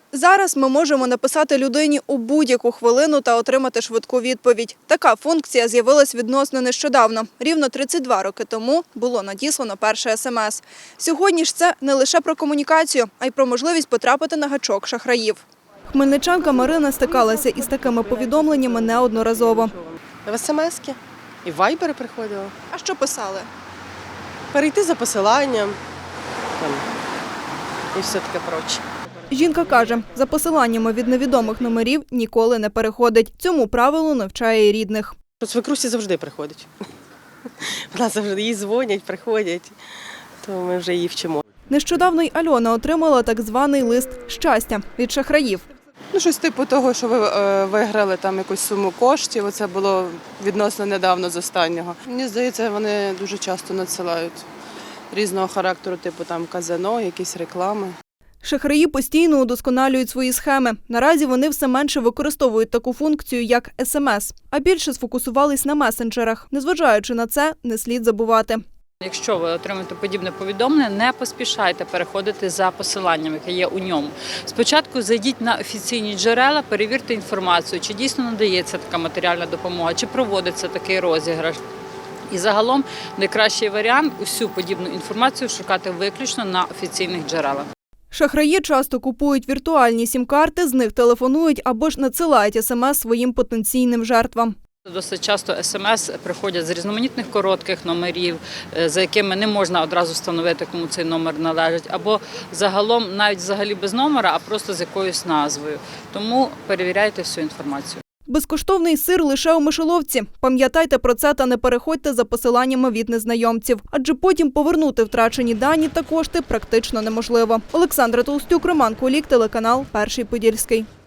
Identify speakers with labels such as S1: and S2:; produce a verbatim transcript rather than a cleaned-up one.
S1: Зараз ми можемо написати людині у будь-яку хвилину та отримати швидку відповідь. Така функція з'явилась відносно нещодавно. Рівно тридцять два роки тому було надіслано перше смс. Сьогодні ж це не лише про комунікацію, а й про можливість потрапити на гачок шахраїв. Хмельничанка Марина стикалася із такими повідомленнями неодноразово.
S2: В смс-ки і в вайбери приходило.
S1: А що писали?
S2: Перейти за посиланням там, і все таке проче.
S1: Жінка каже, за посиланнями від невідомих номерів ніколи не переходить. Цьому правилу навчає й рідних.
S2: Свекрусі завжди приходить. Вона завжди їй дзвонять, приходять, то ми вже її вчимо.
S1: Нещодавно й Альона отримала так званий лист щастя від шахраїв.
S3: Ну, щось типу того, що ви е, виграли там якусь суму коштів. Оце було відносно недавно з останнього. Мені здається, вони дуже часто надсилають різного характеру, типу там казино, якісь реклами.
S1: Шахраї постійно удосконалюють свої схеми. Наразі вони все менше використовують таку функцію, як смс, а більше сфокусувались на месенджерах. Незважаючи на це, не слід забувати.
S4: Якщо ви отримаєте подібне повідомлення, не поспішайте переходити за посиланням, яке є у ньому. Спочатку зайдіть на офіційні джерела, перевірте інформацію, чи дійсно надається така матеріальна допомога, чи проводиться такий розіграш. І загалом найкращий варіант – усю подібну інформацію шукати виключно на офіційних джерелах.
S1: Шахраї часто купують віртуальні сім-карти, з них телефонують або ж надсилають смс своїм потенційним жертвам.
S4: Досить часто смс приходять з різноманітних коротких номерів, за якими не можна одразу встановити, кому цей номер належить, або загалом навіть взагалі без номера, а просто з якоюсь назвою. Тому перевіряйте всю інформацію.
S1: Безкоштовний сир лише у мишоловці. Пам'ятайте про це та не переходьте за посиланнями від незнайомців. Адже потім повернути втрачені дані та кошти практично неможливо. Олександра Толстюк, Роман Кулік, телеканал «Перший Подільський».